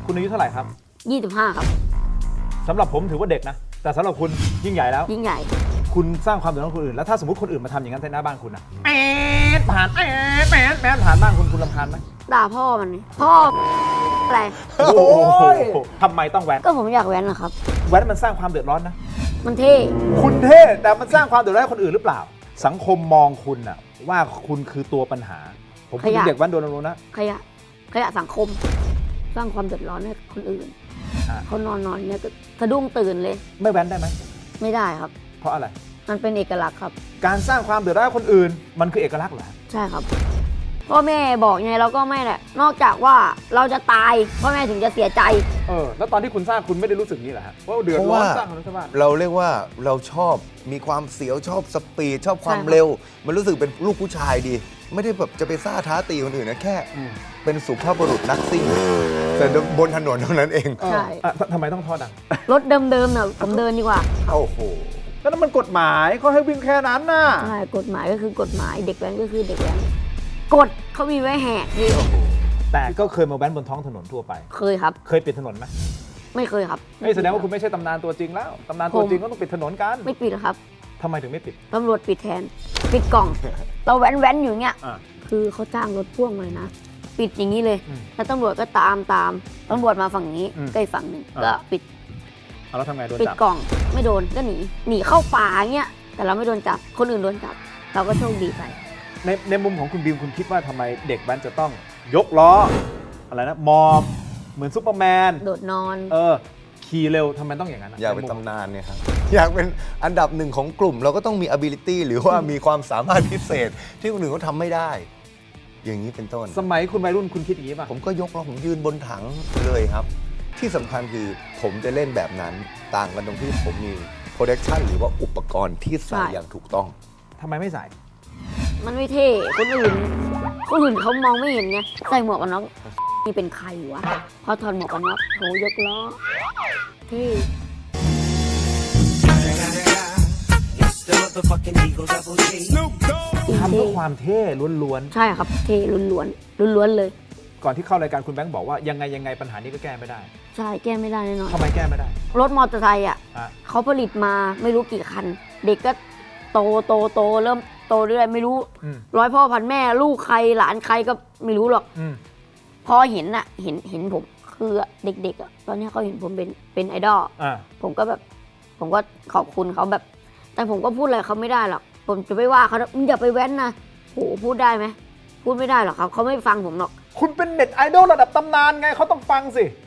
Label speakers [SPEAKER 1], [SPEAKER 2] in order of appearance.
[SPEAKER 1] คุณอายุเท่าไหร่ครับ
[SPEAKER 2] 25 ครับ
[SPEAKER 1] สำหรับผมถือว่าเด็กนะแต่สำหรับคุณยิ่งใหญ่แล้ว
[SPEAKER 2] ยิ่งใหญ่
[SPEAKER 1] คุณสร้างความเดือดร้อนคนอื่นแล้วถ้าสมมติคนอื่นมาทำอย่างนั้นในหน้าบ้านคุณนะแป๊ดผ่านแป๊ดแป๊ดแป๊ดผ่านบ้านคุณรำคาญไหม
[SPEAKER 2] ด่าพ่อมันนี่พ่ออะไร
[SPEAKER 1] โอ้โหทำไมต้องแว้น
[SPEAKER 2] ก็ผมอยากแว้นนะครับ
[SPEAKER 1] แว้นมันสร้างความเดือดร้อนนะ
[SPEAKER 2] มันเท่
[SPEAKER 1] คุณเท่แต่มันสร้างความเดือดร้อนให้คนอื่นหรือเปล่า สังคมมองคุณน่ะว่าคุณคือตัวปัญหา ผมพูดถึงเด็กแว้นโดนลงนะ
[SPEAKER 2] ขยะสังคม สร้างความเดือดร้อนให้คนอื่น
[SPEAKER 1] อ่ะ
[SPEAKER 2] เขานอนเนี่ยก็สะดุ้งตื่นเลย
[SPEAKER 1] ไม่แว้นได้ไหม
[SPEAKER 2] ไม่ได้ครับ
[SPEAKER 1] เพราะอะไร
[SPEAKER 2] มันเป็นเอกลักษณ์ครับ
[SPEAKER 1] การสร้างความเดือดร้อนให้คนอื่น มันคือเอกลักษณ์เหรอ
[SPEAKER 2] ใช่ครับพ่อแม่บอกไงเราก็ไม่แหละ นอกจากว่าเราจะตายพ่อแม่ถึงจะเสียใจ
[SPEAKER 1] แล้วตอนที่คุณสร้างคุณไม่ได้รู้สึกนี้เหรอฮะว่าเดือด
[SPEAKER 3] เพราะ
[SPEAKER 1] ร้อน
[SPEAKER 3] ว่า
[SPEAKER 1] สร้างคนทั้งบ้าน
[SPEAKER 3] เราเรียกว่าเราชอบมีความเสียวชอบสปีดชอบความ
[SPEAKER 2] ใช่ครับ
[SPEAKER 3] เร็ว มันรู้สึกเป็นลูกผู้ชายดี ไม่ได้แบบจะไปซ่าท้าตีคนอื่นนะแค่ เป็นสุภาพบุรุษนักซิ่งแต่บนถนนเท่านั้นเอง
[SPEAKER 2] ใช่
[SPEAKER 1] ทำไมต้องท่อดัง
[SPEAKER 2] รถเดิมๆเนี่ยผมเดินดีกว่า
[SPEAKER 3] โอ้โห
[SPEAKER 1] ก็นั่นมันกฎหมายเขาให้วิ่งแค่นั้นน่ะ
[SPEAKER 2] ใช่กฎหมายก็คือกฎหมายเด็กแว้นก็คือเด็กแว้นกฎเขามีไว้แหกนี่
[SPEAKER 1] แต่ก็เคยมาแว้นบนท้องถนนทั่วไป
[SPEAKER 2] เคยครับ
[SPEAKER 1] เคยปิดถนนไหม
[SPEAKER 2] ไม่เคยครับ
[SPEAKER 1] แสดงว่าคุณไม่ใช่ตำนานตัวจริงแล้วตำนานตัวจริงก็ต้องปิดถนนกัน
[SPEAKER 2] ไม่ปิดหรอกครับ
[SPEAKER 1] ทำไมถึงไม่ปิด
[SPEAKER 2] ตำรวจปิดแทน ปิดกล่อง เราแว้นอยู่เงี้ย
[SPEAKER 1] อ่า
[SPEAKER 2] คือเขาจ้างรถพ่วงเลยนะ ปิดอย่างนี้เลย
[SPEAKER 1] อืม
[SPEAKER 2] แล้วตำรวจก็ตามตำรวจมาฝั่งนี้
[SPEAKER 1] อืม
[SPEAKER 2] ใกล้ฝั่งหนึ่ง
[SPEAKER 1] อ่า
[SPEAKER 2] ก็ปิด
[SPEAKER 1] เอาแล้วทำไงโดน
[SPEAKER 2] ปิด
[SPEAKER 1] จับ
[SPEAKER 2] กล่องไม่โดนก็หนีเข้าป่าเงี้ยแต่เราไม่โดนจับคนอื่นโดนจับ เราก็โชคดีไป
[SPEAKER 1] ในมุมของคุณบิวคุณคิดว่าทำไมเด็กแว้นจะต้องยกล้ออะไรนะมอบเหมือนซุปเปอร์แมน
[SPEAKER 2] โดดนอน
[SPEAKER 1] ขี่เร็วทำไมต้องอย่างนั้น
[SPEAKER 3] อยากเป็น
[SPEAKER 1] ในมุม
[SPEAKER 3] ตำนานเนี่ยครับ อยากเป็นอันดับหนึ่งของกลุ่ม เราก็ต้องมี ability หรือว่ามีความสามารถพิเศษ ที่คนอื่นเขาทำไม่ได้ อย่างนี้เป็นต้น
[SPEAKER 1] สมัยคุณวัยรุ่นคุณคิดอย่างนี้ป่ะ
[SPEAKER 3] ผมก็ยกแล้วผมยืนบนถังเลยครับ ที่สำคัญคือผมจะเล่นแบบนั้นต่างกันตรงที่ผมมี protection หรือว่าอุปกรณ์ที่ใส่
[SPEAKER 2] ใช่
[SPEAKER 3] อย่างถูกต้อง
[SPEAKER 1] ทำไมไม่ใส่
[SPEAKER 2] มันไม่เท่คนอื่นเขามองไม่เห็นไงใส่หมวกกันน็อกนี่เป็นใครวะพอถอดหมวกกันน็อกโหยกล้อเท่
[SPEAKER 1] ทำเพื่อความเท่ล้วน
[SPEAKER 2] ใช่ครับเท่ล้วนเลย
[SPEAKER 1] ๆ ก่อนที่เข้ารายการคุณแบงค์บอกว่ายังไงปัญหานี้ก็แก้ไม่ได้
[SPEAKER 2] ใช่แก้ไม่ได้แน่นอน
[SPEAKER 1] ทำไมแก้ไม่ได้
[SPEAKER 2] รถมอเตอร์ไซค์อ่ะ
[SPEAKER 1] อ่ะ
[SPEAKER 2] เขาผลิตมาไม่รู้กี่คัน เด็กก็โตเริ่มโตเรื่อยไม่รู้
[SPEAKER 1] อืม
[SPEAKER 2] ร้อยพ่อพันแม่ลูกใครหลานใครก็ไม่รู้หรอก
[SPEAKER 1] อืม
[SPEAKER 2] พอเห็นอ่ะเห็นผมคือเด็กๆอ่ะตอนนี้เขาเห็นผมเป็นไอดอล
[SPEAKER 1] อ่า
[SPEAKER 2] ผมก็ขอบคุณเขาแบบ แต่ผมก็พูดอะไรเขาไม่ได้หรอกผมจะไปว่าเขามึงอย่าไปแว้นนะโหพูดได้ไหมพูดไม่ได้หรอกครับเขาไม่ฟังผมหรอก
[SPEAKER 1] คุณเป็นเน็ตไอดอลระดับตำนานไงเขาต้องฟังสิ